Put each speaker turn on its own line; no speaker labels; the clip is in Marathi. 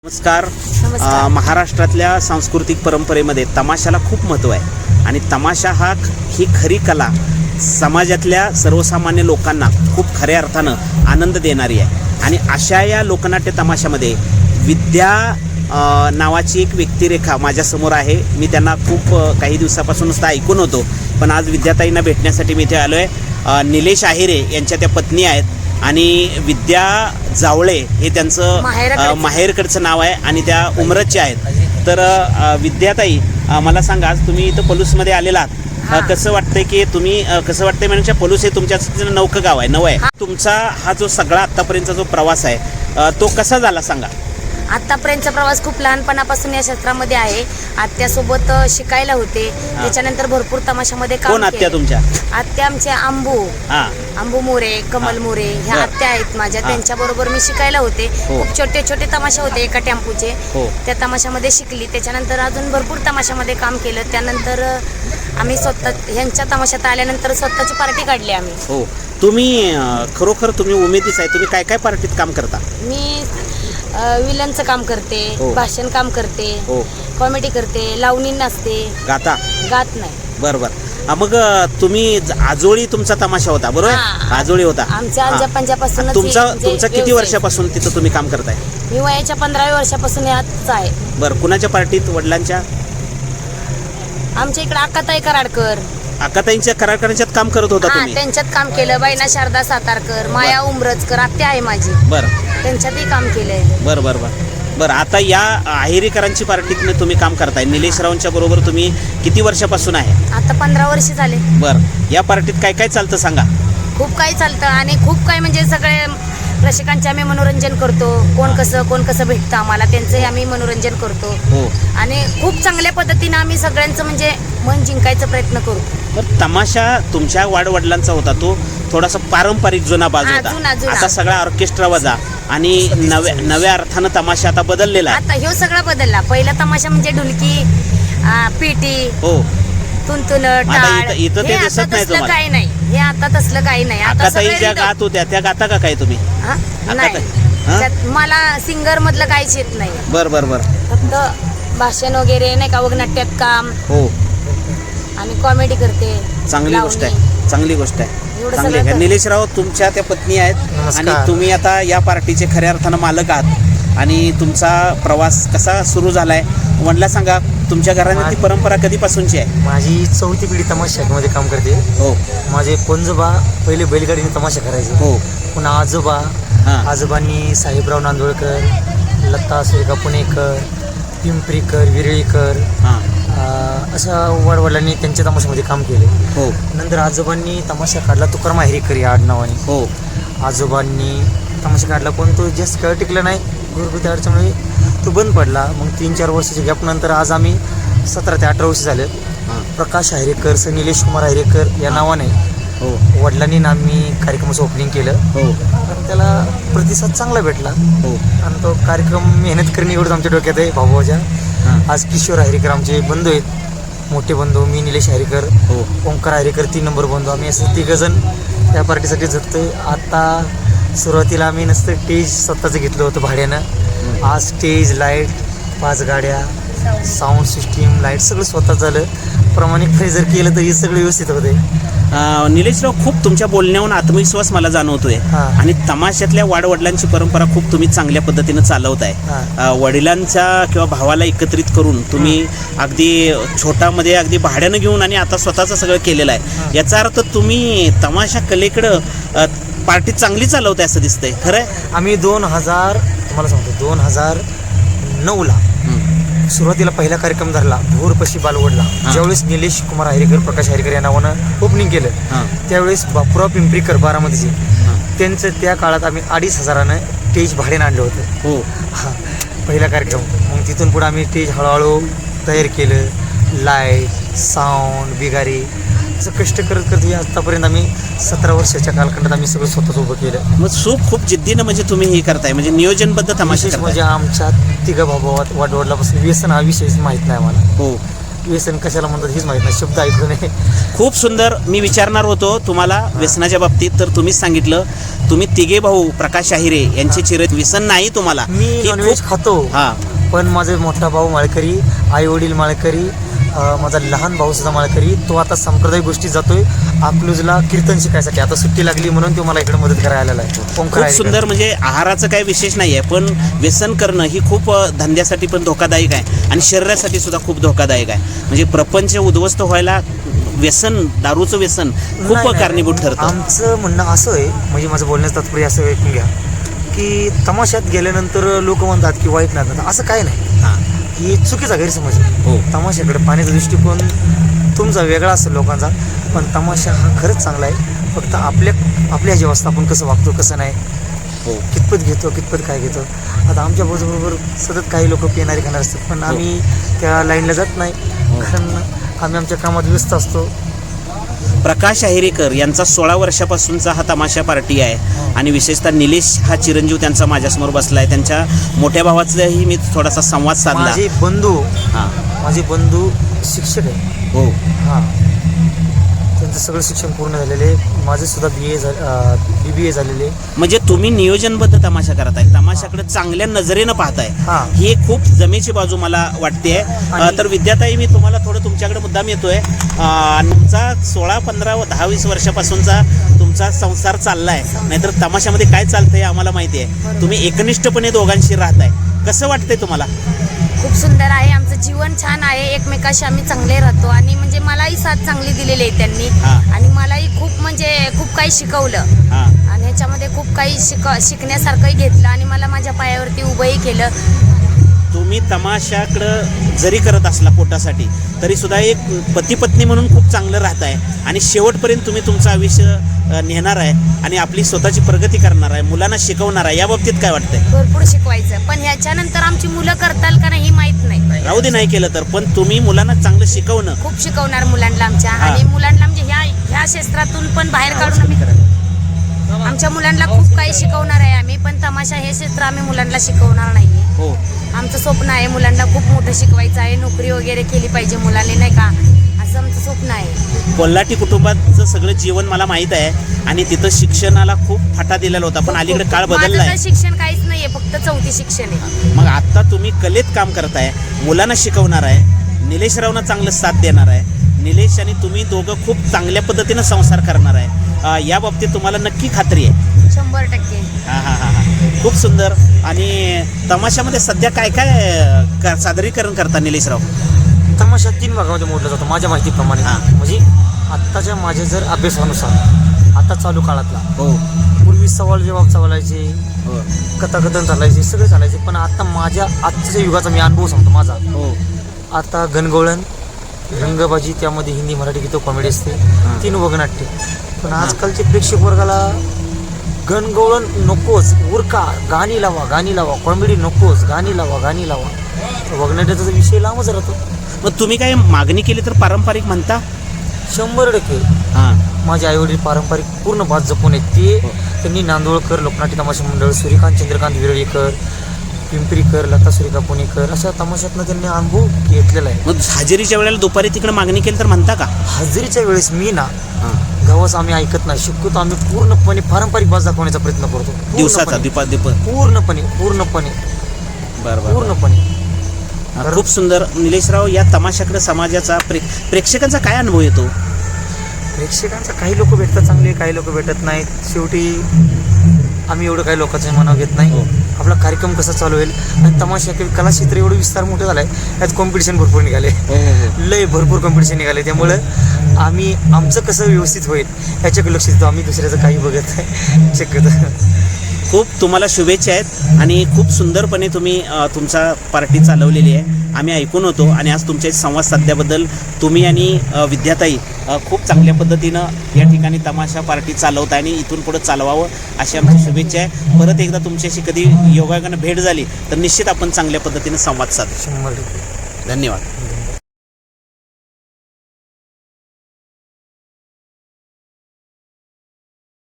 नमस्कार. महाराष्ट्रातल्या सांस्कृतिक परंपरेमध्ये तमाशाला खूप महत्त्व आहे आणि तमाशा ही खरी कला समाजातल्या सर्वसामान्य लोकांना खूप खऱ्या अर्थानं आनंद देणारी आहे. आणि अशा या लोकनाट्य तमाशामध्ये विद्या नावाची एक व्यक्तिरेखा माझ्यासमोर आहे. मी त्यांना खूप काही दिवसापासून नुसतं ऐकून होतो, पण आज विद्याताईंना भेटण्यासाठी मी इथे आलो आहे. निलेश आहेरे यांच्या त्या पत्नी आहेत आणि विद्या जावळे हे त्यांचं माहेरकडचं नाव आहे आणि त्या उमरतच्या आहेत. तर विद्याताई, मला सांगा, आज तुम्ही इथं पलूसमध्ये आलेला आहात. कसं वाटतंय की तुम्ही कसं वाटतंय म्हणजे पलूस हे तुमच्या नवकं गाव आहे, नवं आहे. तुमचा हा जो सगळा आत्तापर्यंतचा जो प्रवास आहे तो कसा झाला सांगा.
आतापर्यंतचा प्रवास खूप लहानपणापासून या क्षेत्रामध्ये आहे. आत्यासोबत शिकायला होते, त्याच्यानंतर भरपूर तमाशामध्ये काम
कोण आत्या तुमच्या?
आत्या आमच्या आंबू मोरे, कमल मोरे ह्या आत्या आहेत माझ्या. त्यांच्या बरोबर मी शिकायला होते. खूप छोटे छोटे तमाशा होते एका टेम्पूचे, त्या तमाशामध्ये शिकली. त्याच्यानंतर अजून भरपूर तमाशामध्ये काम केलं. त्यानंतर आम्ही स्वतः ह्यांच्या तमाशात आल्यानंतर स्वतःची पार्टी काढली आम्ही.
हो, तुम्ही खरोखर तुम्ही उमेदीच आहे. तुम्ही काय काय पार्टीत काम करता?
मी विलनचं काम करते, भाषण काम करते, कॉमेडी करते, लावणी नाचते. गात नाही.
बरोबर. मग तुम्ही आजोळी तुमचा तमाशा होता, बरोबर? आजोळी होता
आमच्या आजोबांपासून.
तुमचा किती वर्षापासून तिथं तुम्ही काम करताय?
मी वयाच्या 15व्या वर्षापासून याच आहे.
बरं, कुणाच्या पार्टीत? वडिलांच्या?
आमच्या इकडे अक्काताई कराडकर.
अक्काताईंच्या कराडकरांच्यात काम करत होता तुम्ही?
त्यांच्यात काम केलं. बायना शारदा सातारकर, माया उमरजकर आत्या आहे माझी.
बरं,
त्यांच्यातही काम केलंय.
बरं. आता या आहेरीकरांची पार्टीत तुम्ही काम करताय. निलेश रावांच्या बरोबर तुम्ही किती वर्षापासून आहे?
आता 15 वर्ष झाले.
बरं, या पार्टीत काय काय चालतं सांगा.
खूप काही चालतं आणि खूप काही म्हणजे सगळे रसिकांचे आम्ही मनोरंजन करतो. कोण कसं भेटतं आम्हाला त्यांचंही आम्ही मनोरंजन करतो. आणि खूप चांगल्या पद्धतीने आम्ही सगळ्यांचं म्हणजे मन जिंकायचा प्रयत्न करतो.
तमाशा तुमच्या वाडवडिलांचा होता, तो थोडासा पारंपरिक जुना बाजू होता. आता सगळा ऑर्केस्ट्रा वजा आणि नव्या अर्थानं तमाशा आता बदललेला आहे.
आता ह्यो सगळा बदलला. पहिला तमाशा म्हणजे ढुलकी, पेटी, तुंतुन, टाळ,
इथं ते दिसत नाही तुम्हाला?
काही नाही. हे आता तसलं काही नाही.
आता ज्या गात होत्या त्या गाता का काय तुम्ही?
नाही, मला सिंगर मधलं काहीच येत नाही.
बरं.
फक्त भाषण वगैरे नाही का, वगनाट्यात काम आणि कॉमेडी करते. चांगली गोष्ट आहे.
निलेशराव, तुमच्या त्या पत्नी आहेत आणि तुम्ही आता या पार्टीचे खऱ्या अर्थानं मालक आहात आणि तुमचा प्रवास कसा सुरू झालाय म्हणला सांगा. तुमच्या घराने ती परंपरा कधीपासूनची आहे?
माझी 4थी पिढी तमाशामध्ये काम करते. माझे पंजोबा पहिले बैलगाडीने तमाशा करायचे. पुन्हा आजोबांनी साहेबराव नांदोळकर, लता सुरेखा पुणेकर, पिंपरीकर, विरळीकर अशा वडवडिलांनी त्यांच्या तमाशामध्ये काम केले. नंतर आजोबांनी तमाशा काढला तुकाराम आहेरेकर या आडनावाने. आजोबांनी तमाशा काढला पण तो जास्त काळ टिकला नाही. घरगुती अडचणीमुळे तो बंद पडला. मग 3-4 वर्षाच्या गॅपनंतर आज आम्ही 17 ते 18 वर्ष झाले प्रकाश आहेरेकर, सर निलेश कुमार आहेरेकर या नावाने वडिलांनी आम्ही कार्यक्रमाचं ओपनिंग केलं. आणि त्याला प्रतिसाद चांगला भेटला आणि तो कार्यक्रम मेहनत करणे एवढंच आमच्या डोक्यात आहे भाऊभाऊच्या. आज किशोर आहेरेकर आमचे बंधू आहेत, मोठे बंधू. मी निलेश आहेरेकर, ओंकार आहेरेकर 3 नंबर बंधू. आम्ही असं 3 जण त्या पार्टीसाठी झटतोय. आता सुरुवातीला आम्ही नसतं स्टेज स्वतःचं घेतलं होतं भाड्यानं. आज स्टेज, लाईट, 5 गाड्या, साऊंड सिस्टीम, लाईट सगळं स्वतः झालं. प्रामाणिक जर केलं तर हे सगळं व्यवस्थित होते.
निलेशराव, खूप तुमच्या बोलण्याहून आत्मविश्वास मला जाणवतोय आणि तमाशातल्या वाडवडिलांची परंपरा खूप तुम्ही चांगल्या पद्धतीनं चालवताय. वडिलांच्या किंवा भावाला एकत्रित करून तुम्ही अगदी छोटामध्ये अगदी भाड्यानं घेऊन आणि आता स्वतःचं सगळं केलेलं आहे. याचा अर्थ तुम्ही तमाशा कलेकडं पार्टी चांगली चालवताय असं दिसतंय. खरं आहे?
आम्ही 2009ला सुरुवातीला पहिला कार्यक्रम धरला भोरपशी बालवडला. ज्यावेळेस निलेश कुमार आहेरेकर, प्रकाश आहेरेकर या नावानं ओपनिंग केलं, त्यावेळेस बापूराव पिंपरीकर बारामतीचे त्यांचं त्या काळात आम्ही 2,500 स्टेज भाड्यानं आणलं होतं. पहिला कार्यक्रम. मग तिथून पुढे आम्ही स्टेज हळूहळू तयार केलं. लाईट, साऊंड, बिगारी असं कष्ट करत आतापर्यंत आम्ही 17 वर्षाच्या कालखंडात आम्ही सगळं स्वतःच उभं केलं.
मग खूप जिद्दीनं म्हणजे तुम्ही हे करताय, म्हणजे नियोजनबद्ध तमाशा.
म्हणजे आमच्या 3 भावात वाडवडिलापासून व्यसन हा विषयच माहीत नाही आम्हाला. व्यसन कशाला म्हणतात हेच माहीत नाही, शब्द ऐकू नये.
खूप सुंदर. मी विचारणार होतो तुम्हाला व्यसनाच्या बाबतीत, तर तुम्हीच सांगितलं. तुम्ही तिघे भाऊ प्रकाश आहिरे यांचे चिरत व्यसन नाही तुम्हाला.
मी
ही
नॉनव्हेज
खूप-
खातो,
हा
पण माझे मोठा भाऊ माळकरी, आई वडील माळकरी, माझा लहान भाऊ सुद्धा माळकरी. तो आता सांप्रदायिक गोष्टी जातोय अकलूजला कीर्तन शिकायसाठी. आता सुट्टी लागली म्हणून तो मला इकडे मदत करायला आलेला आहे.
खूप सुंदर. म्हणजे आहाराचं काही विशेष नाही आहे, पण व्यसन करणं ही खूप धंद्यासाठी पण धोकादायक आहे आणि शरीरासाठी सुद्धा खूप धोकादायक आहे. म्हणजे प्रपंच उद्ध्वस्त व्हायला व्यसन, दारूचं व्यसन खूप
नाही,
कारणीभूत ठरतं.
आमचं म्हणणं असं आहे, म्हणजे माझं बोलण्याचं तात्पर्य असं ऐकून घ्या की तमाशात गेल्यानंतर लोक म्हणतात की वाईट नाही, असं काय नाही.
हां
ही चुकीचा गैरसमज आहे.
हो.
तमाशाकडे पाहण्याचा दृष्टिकोन तुमचा वेगळा असेल लोकांचा, पण तमाशा हा खरंच चांगला आहे. फक्त आपल्या ह्याची अवस्था आपण कसं वागतो कसं नाही,
हो
कितपत घेतो कितपत काय घेतो. आता आमच्या बरोबर सतत काही लोक पिणारे खाणार असतात, पण आम्ही त्या लाईनला जात नाही, कारण आम्ही आमच्या कामात व्यस्त असतो.
प्रकाश आहिरेकर यांचा 16 वर्षापासूनचा हा तमाशा पार्टी आहे आणि विशेषतः निलेश हा चिरंजीव त्यांचा माझ्यासमोर बसला आहे. त्यांच्या मोठ्या भावाचाही मी थोडासा संवाद साधला.
माझे बंधू शिक्षक आहे.
हो
हां, त्यांचं सगळं शिक्षण पूर्ण झालेलं आहे. माझं सुद्धा BBA झालेले.
म्हणजे तुम्ही नियोजनबद्ध तमाशा करत आहे, तमाशाकडे चांगल्या नजरेनं पाहताय.
हां.
ही एक खूप जमेची बाजू मला वाटते. तर विद्याताई, मी तुम्हाला थोडं तुमच्याकडे मुद्दाम येतोय. तुमचा 16, 15 व 10, 20 वर्षापासूनचा तुमचा संसार चाललाय, नाहीतर तमाशामध्ये काय चालतंय आम्हाला माहिती आहे. तुम्ही एकनिष्ठपणे दोघांशी राहताय, कसं वाटतंय तुम्हाला?
खूप सुंदर आहे. आमचं जीवन छान आहे, एकमेकाशी आम्ही चांगले राहतो आणि म्हणजे मलाही साथ चांगली दिलेली आहे त्यांनी. आणि मलाही खूप काही शिकवलं आणि ह्याच्यामध्ये खूप काही शिकण्यासारखंही घेतलं आणि मला माझ्या पायावरती उभंही केलं.
तुम्ही तमाशाकडं जरी करत असला पोटासाठी, तरी सुद्धा एक पती पत्नी म्हणून खूप चांगलं राहताय आणि शेवटपर्यंत तुम्ही तुमचं आयुष्य नेणार आहे आणि आपली स्वतःची प्रगती करणार आहे, मुलांना शिकवणार आहे. या बाबतीत काय वाटतंय?
भरपूर शिकवायचं, पण ह्याच्यानंतर आमची मुलं करताल का नाही माहित नाही.
राहू दे, नाही केलं तर, पण तुम्ही मुलांना चांगलं शिकवणं.
खूप शिकवणार मुलांना आमच्या, आणि मुलांना म्हणजे ह्या क्षेत्रातून पण बाहेर काढून आमच्या मुलांना खूप काही शिकवणार आहे आम्ही. पण तमाशा हे क्षेत्र आम्ही मुलांना शिकवणार नाहीये.
हो,
आमचं स्वप्न आहे मुलांना खूप मोठं शिकवायचं आहे, नोकरी वगैरे केली पाहिजे मुलांनी, नाही का, असं आमचं स्वप्न आहे.
कोल्हाटी कुटुंबाचं सगळं जीवन मला माहित आहे आणि तिथं शिक्षणाला खूप फाटा दिलेला होता, पण अलीकडे काळ बदलला आहे.
शिक्षण काहीच नाहीये, फक्त 4थी शिक्षण आहे.
मग आता तुम्ही कलेत काम करताय, मुलांना शिकवणार आहे, निलेश रावना चांगलं साथ देणार आहे. निलेश आणि तुम्ही दोघं खूप चांगल्या पद्धतीनं संसार करणार आहे. या बाबतीत तुम्हाला नक्की खात्री आहे?
100%.
हा. खूप सुंदर. आणि तमाशामध्ये सध्या काय काय सादरीकरण करता निलेशराव?
तमाशा 3 भागामध्ये मोडला जातो माझ्या माहितीप्रमाणे. म्हणजे आत्ताच्या माझ्या जर अभ्यासानुसार, आता चालू काळातला,
हो,
पूर्वी सवाल जवाब चालायचे,
हो,
कथाकथन चालायचे, सगळे चालायचे. पण आता माझ्या आजच्या युगाचा मी अनुभव सांगतो माझा.
हो,
आता गणगवळण, रंगबाजी, त्यामध्ये हिंदी मराठी गीतं कॉमेडी असते, 3 वगनाट्य. पण आजकालचे प्रेक्षक वर्गाला गणगवळण नकोच, उरका, गाणी लावा, कॉमेडी नकोच, गाणी लावा. वगनाट्याचा विषय लांबच राहतो.
मग तुम्ही काय मागणी केली तर पारंपरिक म्हणता?
100%.
हां,
माझे आईवडील पारंपरिक पूर्ण बात जपून आहेत. त्यांनी नांदोळकर लोकनाट्य तमाशा मंडळ, सूर्यकांत चंद्रकांत विरळीकर, पिंपरीकर, लता सुरेखा पुणेकर, अशा तमाशातनं त्यांनी अनुभव घेतलेला आहे.
मग हजेरीच्या वेळेला दुपारी तिकडे मागणी केली तर म्हणता का?
हजेरीच्या वेळेस मी ना गावास आम्ही ऐकत नाही, शक्यतो आम्ही पूर्णपणे पारंपरिक बाज दाखवण्याचा प्रयत्न करतो.
दिवसाचा
पूर्णपणे
खूप सुंदर. निलेशराव, या तमाशाकडे समाजाचा प्रेक्षकांचा काय अनुभव येतो?
प्रेक्षकांचा काही लोक भेटतात चांगले, काही लोक भेटत नाहीत. शेवटी आम्ही एवढं काही लोकांचं मनाव घेत नाही. आपला कार्यक्रम कसा चालू होईल. आणि तमाशा कला क्षेत्र एवढं विस्तार मोठं झालं आहे, त्यात कॉम्पिटिशन भरपूर निघाले, लय भरपूर कॉम्पिटिशन निघाले. त्यामुळं आम्ही आमचं कसं व्यवस्थित होईल याच्याकडे लक्ष देतो, आम्ही दुसऱ्याचं काही बघत नाही शक्यतो.
खूप तुम्हाला शुभेच्छा आहेत आणि खूप सुंदरपणे तुम्ही तुमचा पार्टी चालवलेली आहे, आम्ही ऐकून होतो. आणि आज तुमच्या संवाद साधल्याबद्दल तुम्ही आणि विद्याताई खूप चांगल्या पद्धतीनं या ठिकाणी तमाशा पार्टी चालवत आहे आणि इथून पुढे चालवावं अशी आमची शुभेच्छा आहे. परत एकदा तुमच्याशी कधी योगायोगानं भेट झाली तर निश्चित आपण चांगल्या पद्धतीनं संवाद साधू.
100%.
धन्यवाद.